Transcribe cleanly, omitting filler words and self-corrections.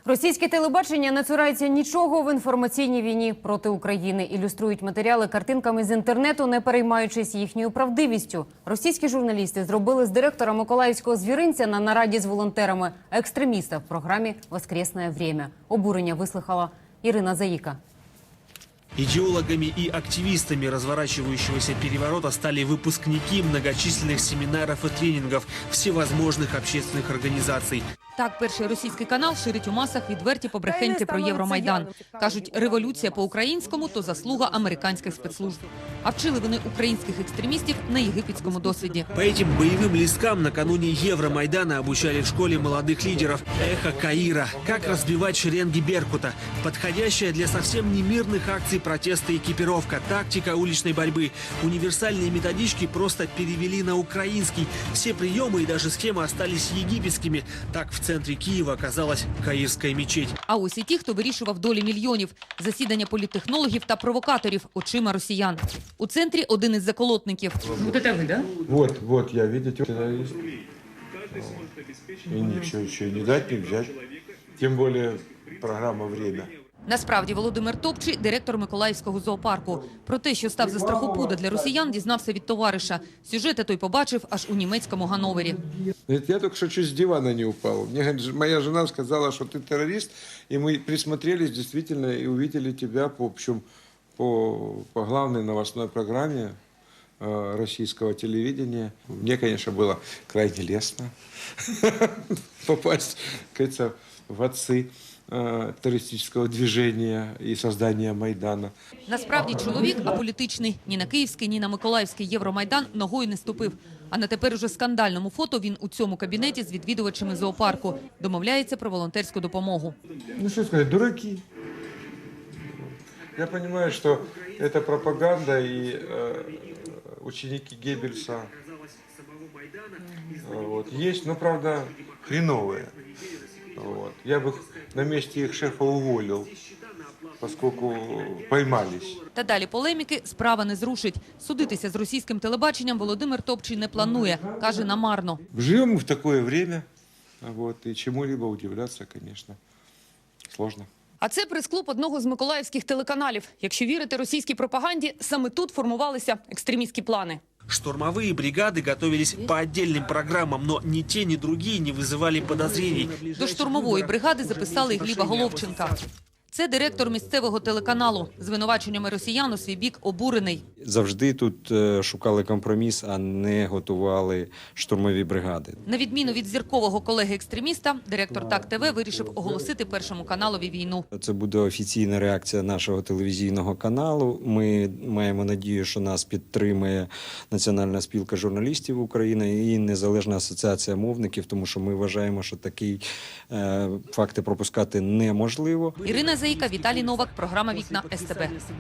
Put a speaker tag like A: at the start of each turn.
A: Російське телебачення не цурається нічого в інформаційній війні проти України. Ілюструють матеріали картинками з інтернету, не переймаючись їхньою правдивістю. Російські журналісти зробили з директора Миколаївського звіринця на нараді з волонтерами екстреміста в програмі «Воскресне время». Обурення вислухала Ірина Заїка.
B: Идеологами и активистами разворачивающегося переворота стали выпускники многочисленных семинаров и тренингов всевозможных общественных организаций.
C: Так, перший російський канал ширить у масах відверті побрехеньки про Євромайдан. Кажуть, революція по-українському – то заслуга американських спецслужб. А вчили вони українських екстремістів на єгипетському досвіді.
B: По этим боевым листкам накануне Евромайдана обучали в школе молодых лидеров «Эхо Каира». Как разбивать шеренги Беркута. Подходящая для совсем не мирных акций протеста экипировка, тактика уличной борьбы. Универсальные методички просто перевели на украинский. Все приемы и даже схемы остались египетскими. Так в центре Киева оказалась Каирская мечеть.
C: А ось і ті, хто вирішував долі мільйонів. Засідання політтехнологів та провокаторів очима росіян. У центрі один із заколотників. Вот это ви, да?
D: Вот, я, видите, террорист. И ничего еще не дать, не взять. Тем более программа «Время».
C: Насправді Володимир Топчий – директор Миколаївського зоопарку. Про те, що став за страхопуда для росіян, дізнався від товариша. Сюжети той побачив аж у німецькому Ганновері.
D: Я только что чуть с дивана не упал. Мне говорит, моя жена сказала, что ты террорист, и мы присмотрелись действительно и увидели тебя по главной новостной программе российского телевидения. Мне, конечно, было крайне лестно попасть, как говорится, в отцы террористического движения и создания Майдана.
C: Насправді чоловік аполітичний. Ні на київський, ні на миколаївський Євромайдан ногою не ступив. А на тепер уже скандальному фото він у цьому кабінеті з відвідувачами зоопарку. Домовляється про волонтерську допомогу.
D: Ну что сказать, дураки. Я понимаю, что это пропаганда и ученики Геббельса есть, но правда хреновые. Я бы на месте их шефа уволил, поскольку поймались.
C: Та далі полеміки справа не зрушить. Судитися з російським телебаченням Володимир Топчий не планує. Каже, намарно.
D: Живем в такое время, и чему-либо удивляться, конечно, сложно.
C: А це прес-клуб одного з миколаївських телеканалів. Якщо вірити російській пропаганді, саме тут формувалися екстремістські плани.
B: Штурмовые бригады готовились по отдельным программам, но ни те, ни другие не вызывали подозрений.
C: До штурмової бригади записали і Гліба Головченка. Це директор місцевого телеканалу. Звинуваченнями росіян у свій бік обурений.
E: Завжди тут шукали компроміс, а не готували штурмові бригади.
C: На відміну від зіркового колеги-екстреміста, директор ТАК-ТВ вирішив оголосити Першому каналові війну.
E: Це буде офіційна реакція нашого телевізійного каналу. Ми маємо надію, що нас підтримує Національна спілка журналістів України і Незалежна асоціація мовників, тому що ми вважаємо, що такі факти пропускати неможливо.
C: Ірина Заїка, Віталій Новак, програма «Вікна СТБ».